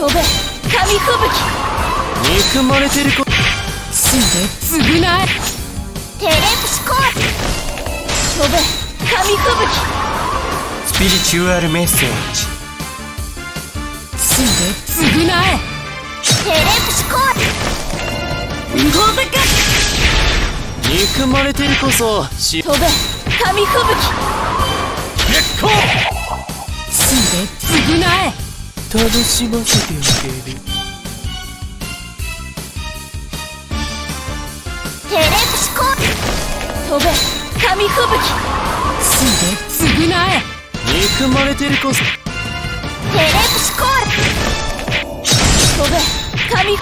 飛べ紙吹雪。 憎まれてる子。 死んで償え。テレプシコール。飛べ紙吹雪。 スピリチュアルメッセージ。 死んで償え。テレプシコール。無法だか。 憎まれてるこそ飛べ紙吹雪。 結構。 死んで償え。 楽しませてあげる。 テレプシコール。飛べ紙吹雪。死んで償え。 憎まれてるこそ。 テレプシコール。飛べ紙。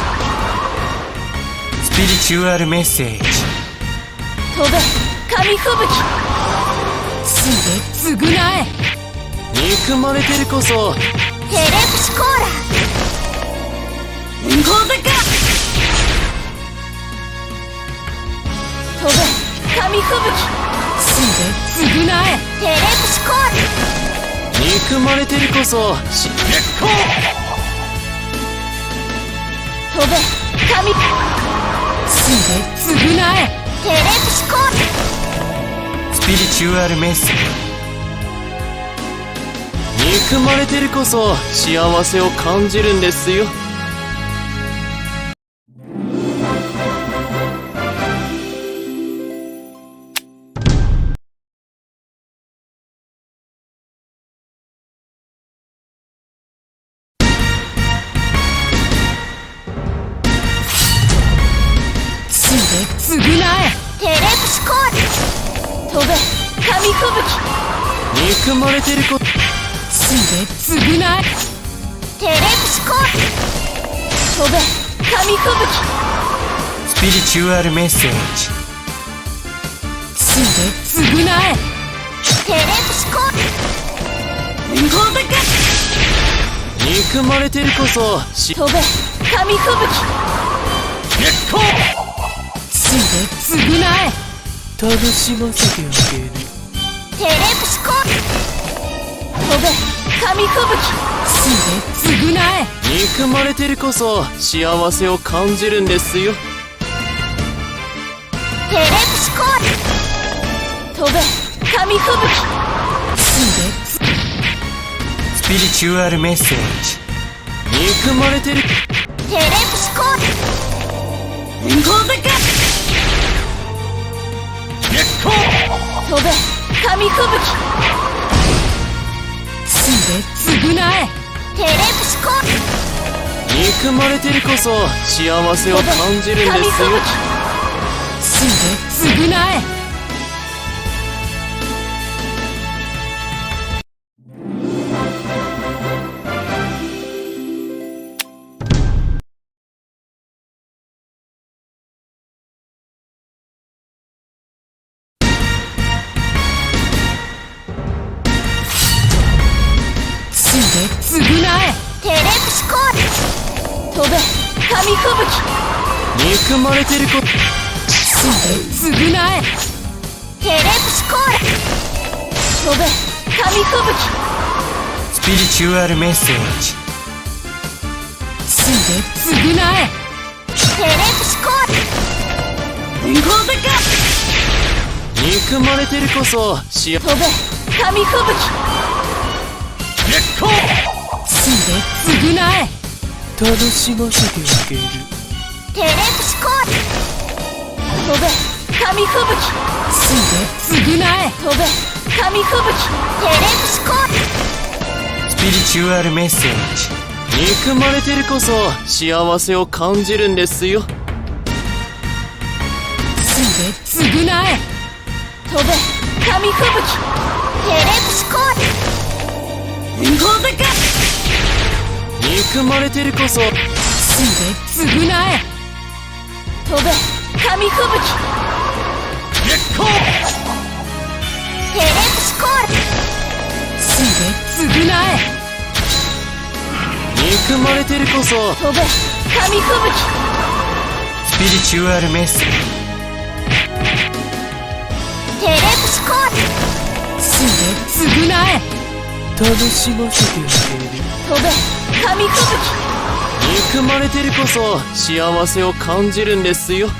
スピリチュアルメッセージ。 飛べ紙吹雪。死んで償え。 憎まれてるこそ。 テレプシコーラ。無法だか。飛べ紙吹雪。死んで償え。テレプシコール。 憎まれてるこそ結構。 飛べ紙。死んで償え。テレプシコール。 スピリチュアルメッセージ。憎まれてるこそ幸せを感じるんですよ。 死んで償え。テレプシコール。飛べ紙吹雪。 憎まれてるこ。 死んで償え。テレプシコール。飛べ紙吹雪。 スピリチュアルメッセージ。 死んで償え。テレプシコール。無法だか。 憎まれてるこそ飛べ紙吹雪。 結構。 死んで償え。 楽しませてあげる。 テレプシコール。飛べ紙吹雪。死んで償え。 憎まれてるこそ幸せを感じるんですよ。 テレプシコール。飛べ紙吹雪。死んで。 スピリチュアルメッセージ。憎まれてる。 テレプシコール。無法だか。 結構。 飛べ紙吹雪。死んで償え。テレプシコール。 憎まれてるこそ幸せを感じるんですよ。 死んで償え。死んで償え。テレプシコール。飛べ紙吹雪。 憎まれてるこ。 死んで償え。テレプシコール。飛べ紙吹雪。 スピリチュアルメッセージ。 死んで償え。テレプシコール。無法だか。 憎まれてるこそ飛べ紙吹雪。 結構。 死んで償え。 楽しませてあげる。 テレプシコール。飛べ紙吹雪。死んで償え。飛べ紙吹雪。テレプシコール。 スピリチュアルメッセージ。憎まれてるこそ幸せを感じるんですよ。 死んで償え。飛べ紙吹雪。テレプシコール。無法だか。 憎まれてるこそ。 死んで償え。飛べ紙吹雪。 結構。 テレプシコール。死んで償え。 憎まれてるこそ。 飛べ紙吹雪。 スピリチュアルメッセージ。 テレプシコール。死んで償え。 楽しませてあげる。 飛べ紙吹雪。 憎まれてるこそ幸せを感じるんですよ。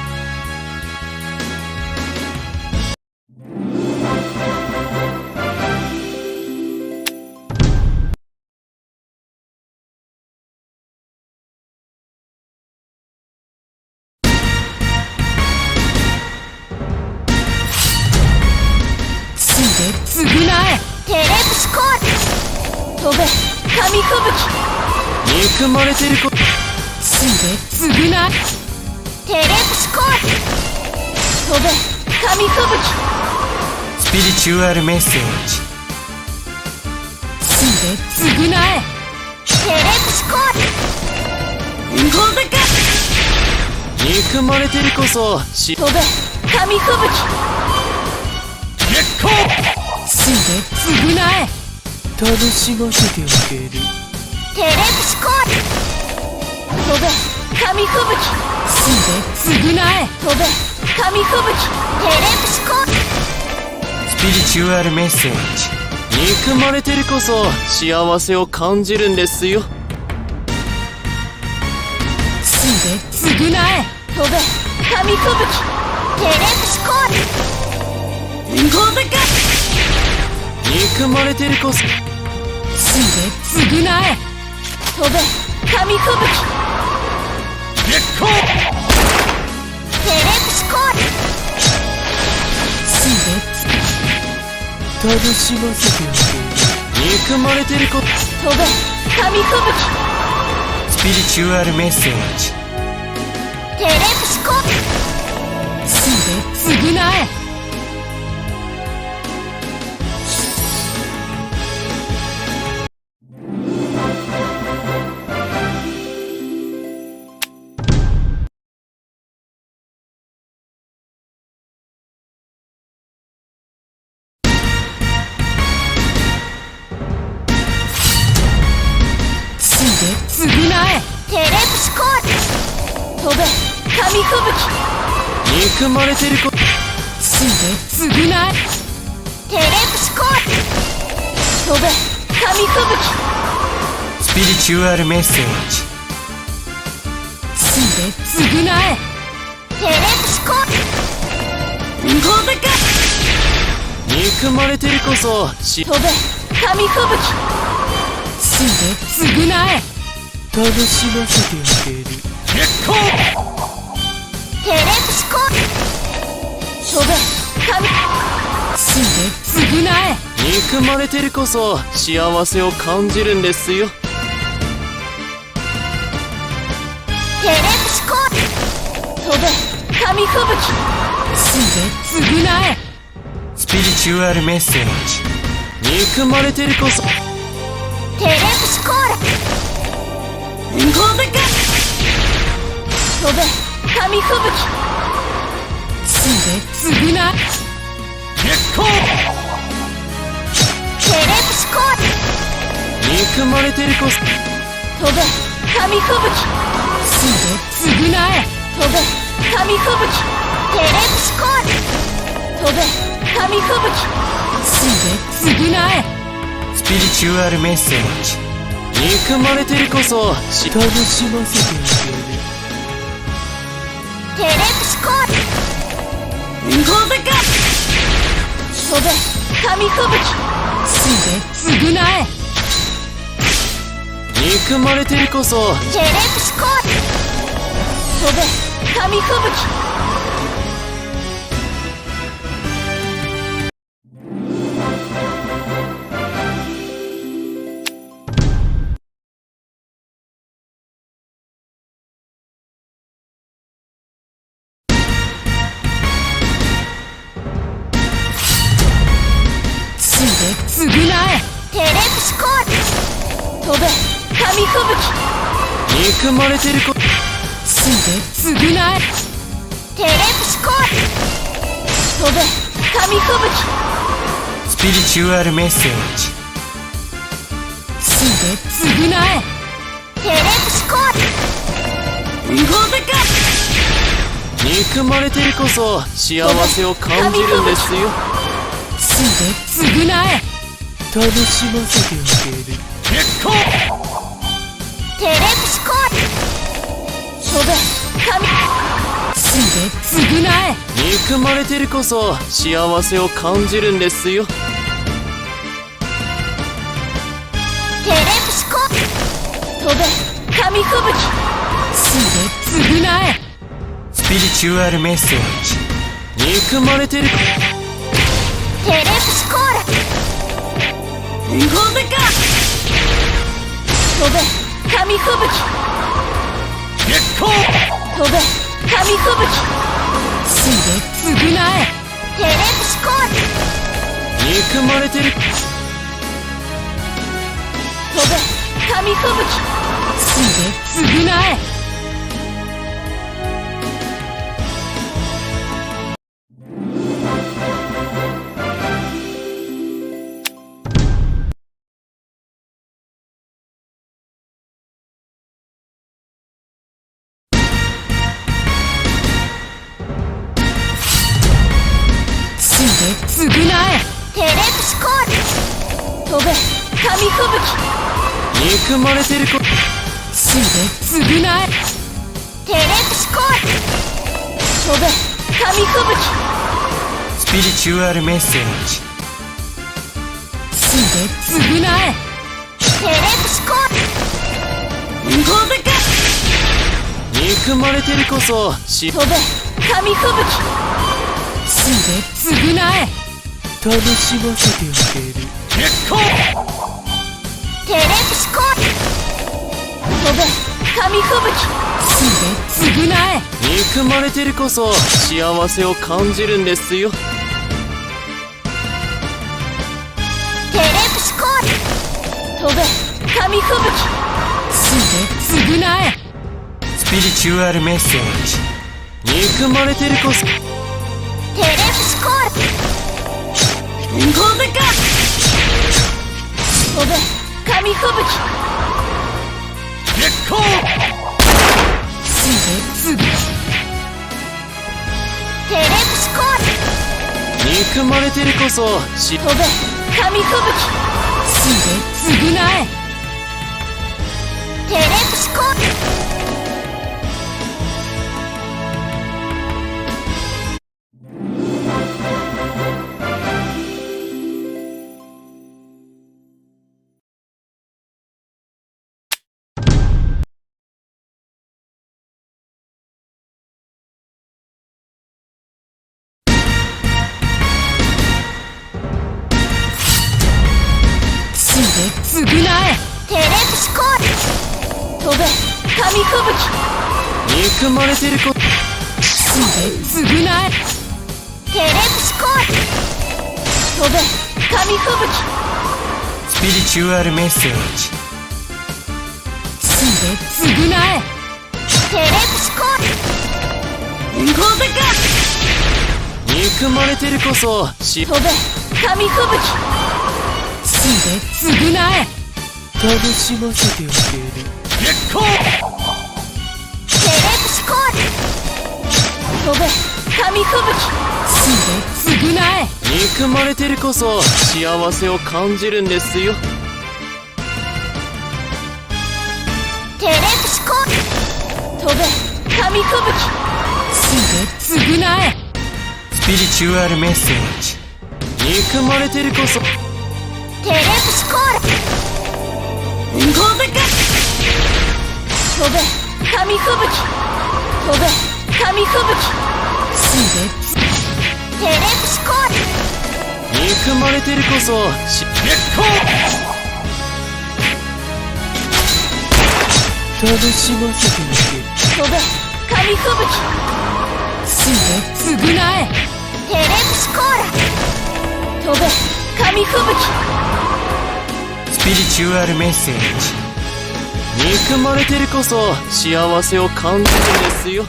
償え。テレプシコール。飛べ紙吹雪。 憎まれてるこ償え。テレプシコール。飛べ紙吹雪。 スピリチュアルメッセージ。 償え。テレプシコール。飛べか。 憎まれてるこそ飛べ紙吹雪。 月光。 償え。 楽しませてあげる。 テレプシコール。飛べ紙吹雪。償え。飛べ紙吹雪。テレプシコール。 スピリチュアルメッセージ。憎まれてるこそ幸せを感じるんですよ。 償え。飛べ紙吹雪。テレプシコール。飛べか。 憎まれてるこそ償え。飛べ紙吹雪。 月光。 テレプシコール。 楽しませてあげる。憎まれてるこ飛べ紙吹雪。 スピリチュアルメッセージ。 テレプシコール。償え。償え。テレプシコール。飛べ紙吹雪。 憎まれてるこ償え。テレプシコール。飛べ紙吹雪。 スピリチュアルメッセージ。 償え。テレプシコール。飛べか。 憎まれてるこそ飛べ紙吹雪。償え。 楽しませてあげる。月光。 テレプシコール。飛べ紙。償え。 憎まれてるこそ幸せを感じるんですよ。 テレプシコール。飛べ紙吹雪。償え。 スピリチュアルメッセージ。憎まれてるこそテレプシコール。飛べか。飛べ紙吹雪。償え。 月光。 テレプシコール。 憎まれてるこそ飛べ紙吹雪。償え。飛べ紙吹雪。テレプシコール。飛べ紙吹雪。償え。 スピリチュアルメッセージ。憎まれてるこそ楽しませてあげる。 テレプシコール。飛べか。飛べ紙吹雪。償え。 憎まれてるこそテレプシコール。飛べ紙吹雪。償え。テレプシコール。飛べ紙吹雪。 憎まれてるこ償え。テレプシコール。飛べ紙吹雪。 スピリチュアルメッセージ。 償え。テレプシコール。飛べか。 憎まれてるこそ幸せを感じるんですよ。 償え。 楽しませてあげる。結構テレプシコール。飛べ神。すべ償え。 憎まれてるこそ幸せを感じるんですよ。 テレプシコール。飛べ神吹雪。すべ償え。 スピリチュアルメッセージ。憎まれてる。 テレプシコール。飛べか。飛べ神吹雪。 結構飛べ神吹雪。すべ償え。テレプシコール。 憎まれてる。 飛べ神吹雪。すべ償え。償え。テレプシコール。飛べ神吹雪。 憎まれてるこ。 すべ償え。テレプシコール。飛べ神吹雪。 スピリチュアルメッセージ。 すべ償え。テレプシコール。飛べか。 憎まれてるこそ飛べ神吹雪。すべ償え。 楽しませてあげる。結構テレプシコール。飛べ神吹雪。すべ償え。 憎まれてるこそ幸せを感じるんですよ。 テレプシコール。飛べ神吹雪。すべ償え。 スピリチュアルメッセージ。憎まれてるこそ。 テレプシコール。飛べか。飛べ神吹雪。 結構すべテレプシコール。 憎まれてるこそ飛べ神吹雪。すべ償え。テレプシコール。償え。テレプシコール。飛べ神吹雪。 憎まれてるこ。 すべ償え。テレプシコール。飛べ神吹雪。 スピリチュアルメッセージ。 すべ償え。テレプシコール。飛べか。 憎まれてるこそ飛べ神吹雪。すべ償え。 楽しませてあげる。結構テレプシコール。飛べ神吹雪。すべ償え。 憎まれてるこそ幸せを感じるんですよ。 テレプシコール。飛べ神吹雪。すべ償え。 スピリチュアルメッセージ。憎まれてるこそ。 テレプシコール。飛べか。飛べ神吹雪。飛べ神吹雪。すべテレプシコール。 憎まれてるこそ結構楽しませてあげる。 飛べ神吹雪。すべ償え。テレプシコール。飛べ神吹雪。 スピリチュアルメッセージ。憎まれてるこそ幸せを感じるんですよ。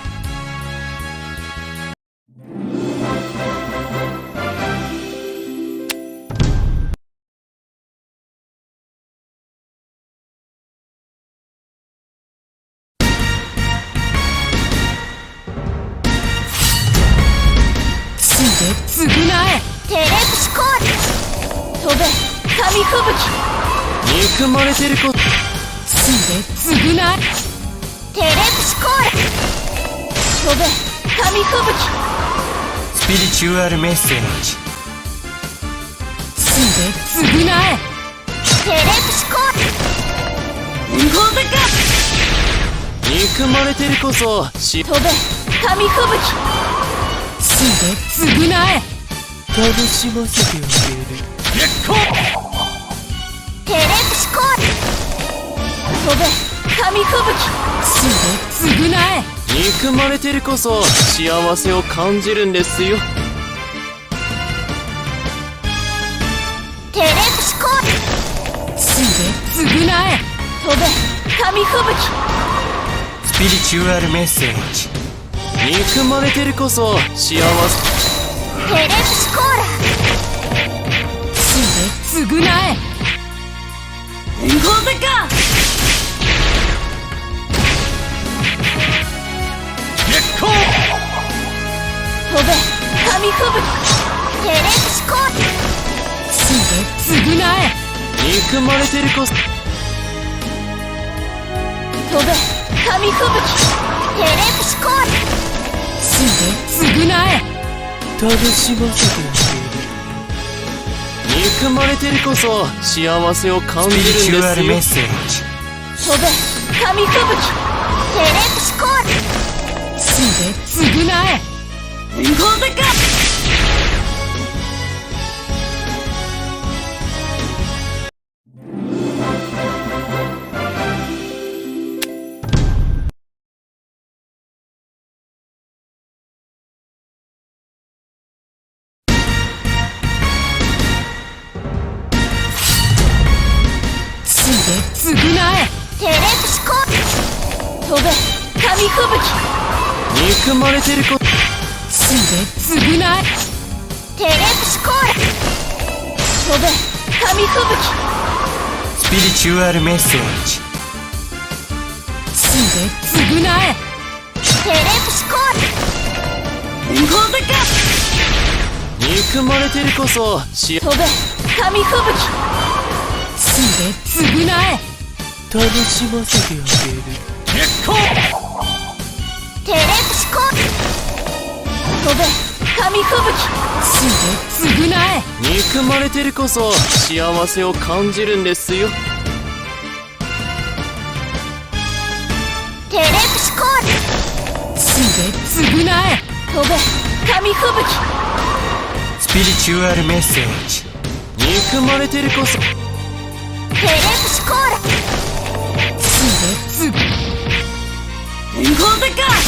すべ償え。テレプシコール。飛べ神紙吹雪憎まれてることすで償えテレプシコール飛べ紙吹雪スピリチュアルメッセージすで償えテレプシコール無法だか憎まれてるこそ飛べ紙吹雪すで償え楽しませてあげる月光テレプシコール飛べ紙吹雪すで償え憎まれてるこそ幸せを感じるんですよテレプシコールすで償え飛べ紙吹雪スピリチュアルメッセージ憎まれてるこそ幸せテレプシコーラすで償え無法だか月光飛べ紙吹雪テレプシコールすで償え憎まれてるこそ飛べ紙吹雪テレプシコールすで償え楽しませてあげる憎まれてるこそ幸せを感じるんですよスピリチュアルメッセージ飛べ紙吹雪テレプシコールすで償え無法だか償えテレプシコール飛べ紙吹雪憎まれてるこすで償えテレプシコール飛べ紙吹雪スピリチュアルメッセージすで償えテレプシコール無法だか憎まれてるこそ飛べ紙吹雪すで償え楽しませてあげる月光テレプシコール飛べ紙吹雪すで償え憎まれてるこそ幸せを感じるんですよテレプシコールすで償え飛べ紙吹雪スピリチュアルメッセージ憎まれてるこそテレプシコールすで無法だか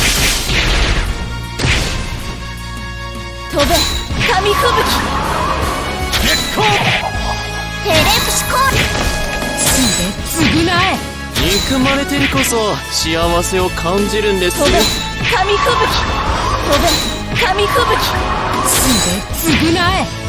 飛べ紙吹雪月光テレプシコールすで償え憎まれてるこそ幸せを感じるんですよ飛べ紙吹雪飛べ紙吹雪すで償え